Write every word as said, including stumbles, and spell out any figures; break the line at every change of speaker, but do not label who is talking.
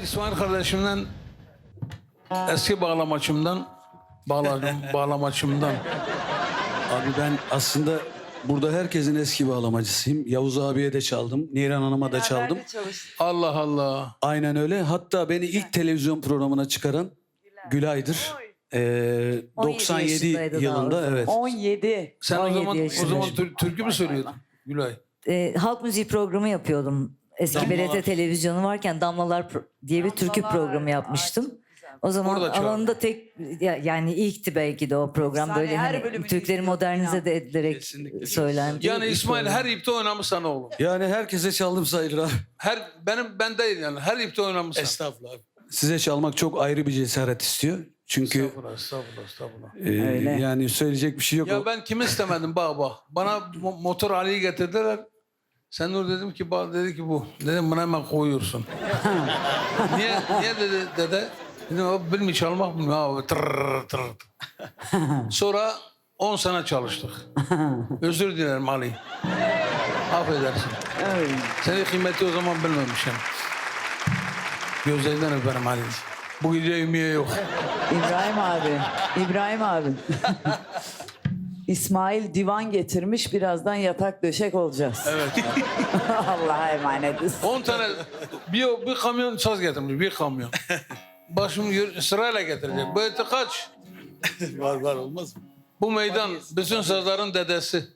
İsmail kardeşimden eski bağlamaçımdan bağladım, bağlamaçımdan.
Abi ben aslında burada herkesin eski bağlamacısıyım. Yavuz abiye de çaldım. Niran Hanım'a da çaldım.
Allah Allah.
Aynen öyle. Hatta beni ilk televizyon programına çıkaran Gülay'dır. Ee, doksan yedi
yaşındaydı
yılında
daha.
evet.
on yedi.
Sen o
on yedi
zaman o
yaşındayım.
zaman tür- türkü mü söylüyordun Gülay?
Ee, halk müziği programı yapıyordum. Eski
Damlalar.
B R T televizyonu varken Damlalar pro- diye bir türkü programı yapmıştım. O zaman
Orada çağırdı.
alanında tek ya- yani ilkti belki de o program
Sahne
böyle
her
hani
bölümünü
Türkleri
izliyordum
modernize
ya.
de edilerek
Kesinlikle.
söylendi.
Yani
bir
İsmail
program.
her ipte oynamış sana oğlum.
Yani herkese çaldım sayılır abi.
Her benim ben değil yani her ipte oynamış.
Estağfurullah abi. Size çalmak çok ayrı bir cesaret istiyor. Çünkü
Estağfurullah, estağfurullah, estağfurullah.
e,
Öyle.
yani söyleyecek bir şey yok.
Ya ben kimi istemedim bak bak. Bana mo- motor Ali'yi getirdiler. Sen Nur dedim ki bak dedi ki bu. Dedim bunu hemen koyuyorsun. niye niye dedi dede? Dedim abi bilmiyor çalmak bilmiyor abi. Tırr, tırr. Sonra on sene çalıştık. Özür dilerim Ali. Affedersin.
Evet.
Senin kıymeti o zaman bilmemişim. Gözlerinden öperim Ali. Bu gece ümiye yok.
İbrahim abi. İbrahim abi. İsmail divan getirmiş. Birazdan yatak döşek olacağız.
Evet.
Allah'a emanetiz.
on tane bir, bir kamyon saz getirmiş. Bir kamyon. Başım yürü- sırayla getirecek. Bu eti kaç?
Var var olmaz mı?
Bu meydan bütün sazların dedesi.